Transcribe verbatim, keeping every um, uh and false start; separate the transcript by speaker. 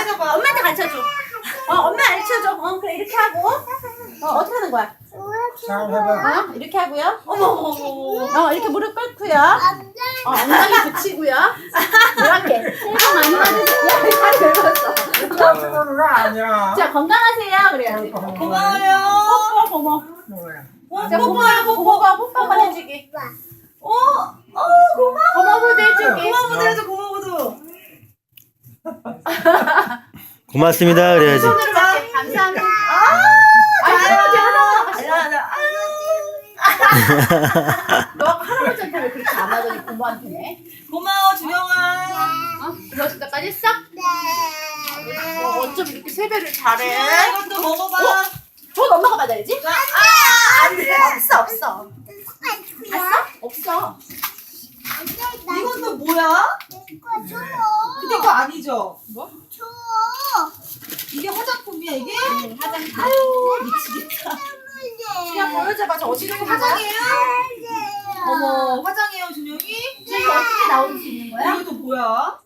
Speaker 1: 해줘봐. 엄마한테 가르쳐줘. 어, 엄마 가르쳐줘. 어, 그래, 이렇게 하고. 어, 어떻게 하는 거야?
Speaker 2: 잘 해봐.
Speaker 1: 어, 이렇게 하고요. 어머, 어머, 어머. 어, 이렇게 무릎 꿇고요. 어, 엉덩이 붙이고요. 이렇게. 새해 복 많이 받으세요. 야, 다리 긁었어.
Speaker 2: 그런 거 아니야.
Speaker 1: 자, 건강하세요. 그래야지.
Speaker 3: 고마워요.
Speaker 1: 뽀뽀, 고모.
Speaker 2: 뭐야?
Speaker 1: 자, 고모야, 고모가 뽀뽀 한번 해주기.
Speaker 3: 어, 어, 고마워.
Speaker 1: 고모부도 해주기.
Speaker 3: 고마워도 해줘, 고마워도.
Speaker 4: 고맙습니다. 그래야지.
Speaker 1: 손으로 받게. 감사합니다.
Speaker 3: 아,
Speaker 1: 아이고,
Speaker 3: 잘한다.
Speaker 1: 잘한다.
Speaker 3: 잘한다.
Speaker 1: 너 할아버지한테 왜 그렇게 안 하더니 고모한테네?
Speaker 3: 고마워, 준영아.
Speaker 1: 어? 이거 진짜까지 했어? 어, 어쩜 이렇게 세배를 잘해?
Speaker 3: 준영아, 이것도 먹어봐.
Speaker 1: 돈 엄마가 받아야지?
Speaker 3: 아, 안 돼.
Speaker 1: 없어, 없어. 봤어? 없어.
Speaker 3: 이것도 뭐야? 근데 이거 아니죠?
Speaker 1: 뭐?
Speaker 3: 이게 화장품이야, 이게?
Speaker 1: 응, 화장품. 아유, 미치겠다. 그냥 보여줘봐. 저 어디로 화장이에요?
Speaker 3: 어머, 화장해요, 준영이?
Speaker 1: 이거 어떻게 나올 수 있는 거야?
Speaker 3: 이것도 뭐야?